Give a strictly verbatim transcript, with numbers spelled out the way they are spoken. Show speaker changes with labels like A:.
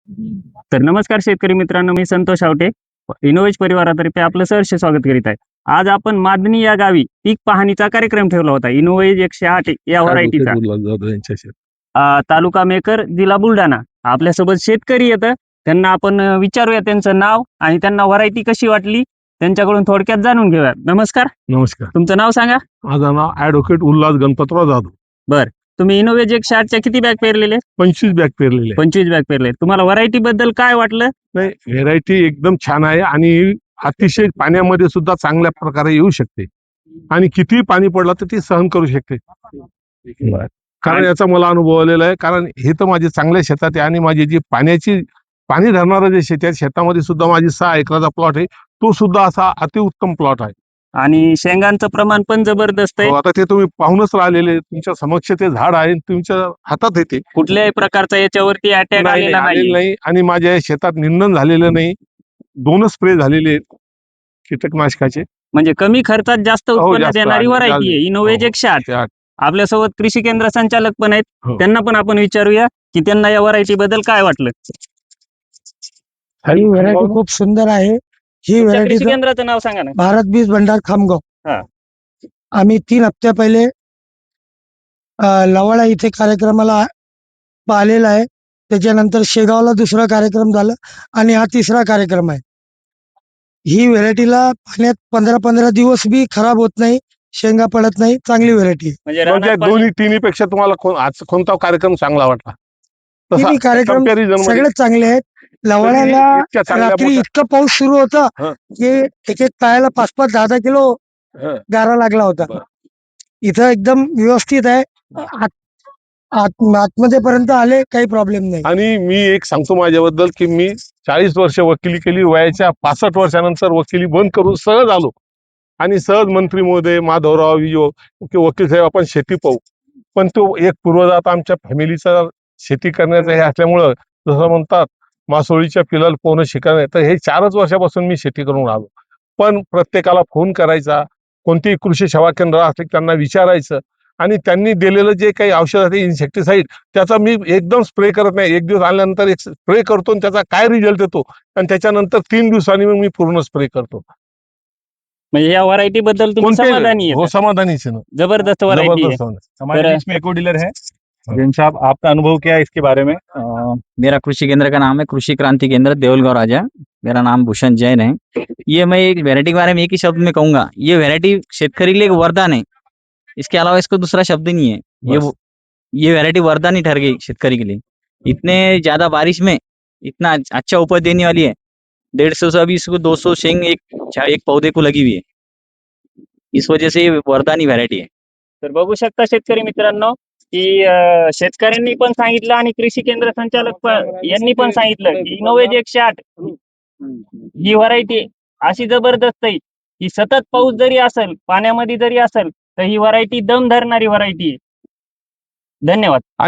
A: तर नमस्कार शेतकरी मित्रांनो, मी संतोष आवटे इनोवेज परिवारातर्फे आपलं सहर्ष स्वागत करीत आहे. आज आपण मादनी या गावी पीक पाहणीचा कार्यक्रम ठेवला होता. इनोवेज एकशे आठ या व्हरायटीचा अ, तालुका मेकर, जिल्हा बुलढाणा. आपल्यासोबत शेतकरी येतं, त्यांना आपण अ, विचारूया त्यांचं नाव आणि त्यांना व्हरायटी कशी वाटली त्यांच्याकडून थोडक्यात जाणून घेऊया. नमस्कार.
B: नमस्कार.
A: तुमचं नाव सांगा.
B: माझं नाव ॲडव्होकेट उल्हास गणपतराव जाधव.
A: बर, तुम्ही इनोवेज एकशे आठ च्या किती बॅग पेरलेले?
B: पंचवीस बॅग पेरलेले.
A: पंचवीस बॅग पेरले. तुम्हाला व्हरायटी बद्दल काय वाटलं?
B: नाही, व्हेरायटी एकदम छान आहे आणि अतिशय पाण्यामध्ये सुद्धा चांगल्या प्रकारे येऊ शकते आणि कितीही पाणी पडलं तर ती सहन करू शकते. कारण याचा मला अनुभव आलेला आहे. कारण हे तर माझे चांगल्या शेतात आहे आणि माझी जी पाण्याची पाणी धरणारं जे शेत आहे, शेतामध्ये सुद्धा माझी सहा एकराचा प्लॉट आहे, तो सुद्धा असा अतिउत्तम प्लॉट आहे
A: आणि शेंगांचं प्रमाण पण जबरदस्त आहे.
B: हो, आता ते तुम्ही पाहूनच राहिलेले, तुमच्या समक्ष ते झाड आहे, तुमच्या हातात येते.
A: कुठल्याही प्रकारचा याच्यावरती अटॅक
B: नाही,
A: आलेला
B: आलेलं
A: नाही.
B: नाही आणि माझ्या शेतात निंदन झालेलं नाही. दोनच स्प्रे झालेले आहेत कीटकनाशकाचे.
A: म्हणजे कमी खर्चात जास्त
B: हो,
A: उत्पन्न
B: जास्त
A: देणारी
B: आणि
A: व्हरायटी आहे इनोवेज
B: हो,
A: एकशे आठ.
B: एकशे आठ.
A: आपल्यासोबत कृषी केंद्र संचालक पण आहेत,
B: हो.
A: त्यांना पण आपण विचारूया की त्यांना या व्हरायटी बद्दल काय वाटलं.
C: ही व्हरायटी खूप सुंदर आहे. ही
A: तुमच्या
C: व्हरायटी
A: कृषी केंद्राचं नाव सांगा ना.
C: भारत बीज भंडार खामगाव.
A: हा.
C: आम्ही तीन हप्त्या पहिले अ, लवाडा इथे कार्यक्रमाला पाहिलेला आहे. त्याच्यानंतर शेगावला दुसरा कार्यक्रम झाला आणि हा तिसरा कार्यक्रम आहे. ही व्हरायटीला पाण्यात पंधरा पंधरा दिवस बी खराब होत नाही, शेंगा पडत नाही. चांगली व्हरायटी.
A: म्हणजे
B: म्हणजे
A: रानात पाणी-
B: दोन्ही तिन्ही पेक्षा तुम्हाला कोण- आज कोणता कार्यक्रम चांगला वाटला? तसा
C: तिन्ही कार्यक्रम
B: comparison मध्ये
C: सगळेच चांगले आहेत. लवाड्याला
B: इतक्या चांगल्या
C: रात्री
B: मोठ्या-
C: इतकं पाऊस सुरू होता
B: हं.
C: की एक एक पायाला पाच पाच दहा दहा किलो
B: हं.
C: गारा लागला होता.
B: बरं.
C: इथं एकदम व्यवस्थित आहे. आत- आत- आतमध्ये पर्यंत आले, काही प्रॉब्लेम नाही.
B: आणि मी एक सांगतो माझ्याबद्दल की मी चाळीस वर्ष वकिली केली, वयाच्या पासष्ट वर्षानंतर वकिली बंद करून सहज आलो आणि सहज मंत्री महोदय, माधवराव विजो की वकील साहेब आपण शेती पाहू. पण तो एक पूर्वजात आमच्या फॅमिलीचा शेती करण्याचा हे असल्यामुळं जसं म्हणतात मासोळीच्या पिलाला पोहणं शिकायला, तर हे चारच वर्षापासून मी शेती करून आलो. पण प्रत्येकाला फोन करायचा, कोणतीही कृषी सेवा केंद्र असले त्यांना विचारायचं आणि त्यांनी दिलेलं जे काही औषध आहे इन्सेक्टिसाईड त्याचा मी एकदम स्प्रे करत नाही. एक दिवस आल्यानंतर एक स्प्रे करतो आणि त्याचा काय रिझल्ट येतो आणि त्याच्यानंतर तीन दिवसांनी मग मी पूर्ण स्प्रे करतो.
A: म्हणजे या व्हरायटी बद्दल तुम्ही
B: कोणते-
A: समाधानी
B: हो,
A: आहे?
B: समाधानीच आहे ना.
A: जबरदस्त व्हरायटी आहे.
B: जबरदस्त होणार.
D: हमारे
A: तर-
D: बीच में एको डीलर है जिन साहब, आपका अनुभव क्या है इसके बारे में?
E: अ, मेरा कृषि केंद्र का नाम है कृषि क्रांति केंद्र देवलगांव राजा। मेरा नाम भूषण जैन है। ये मैं एक वैरायटी के बारे में एक ही शब्द में कहूंगा, ये वैरायटी शेतकरी के लिए एक वरदान है। इसके अलावा इसको दूसरा शब्द ही नहीं है। ये
B: बस।
E: वो- ये वैरायटी वरदान ही ठहर गई शेतकरी के लिए। इतने ज्यादा बारिश में इतना अच्छा उपज देने वाली है। डेढ़ सौ से अभी इसको दो सौ शेंग एक एक पौधे को लगी हुई है। इस वजह से ये वरदानी वैरायटी है।
A: तर बघू शकता शेतकरी मित्रांनो की अ, शेतकऱ्यांनी पण सांगितलं आणि कृषी केंद्र संचालक पण यांनी पण सांगितलं की इनोवेज एकशे आठ ही व्हरायटी अशी जबरदस्त आहे की सतत पाऊस जरी असेल, पाण्यामध्ये जरी असेल, तर ही व्हरायटी दम धरणारी व्हरायटी आहे. धन्यवाद.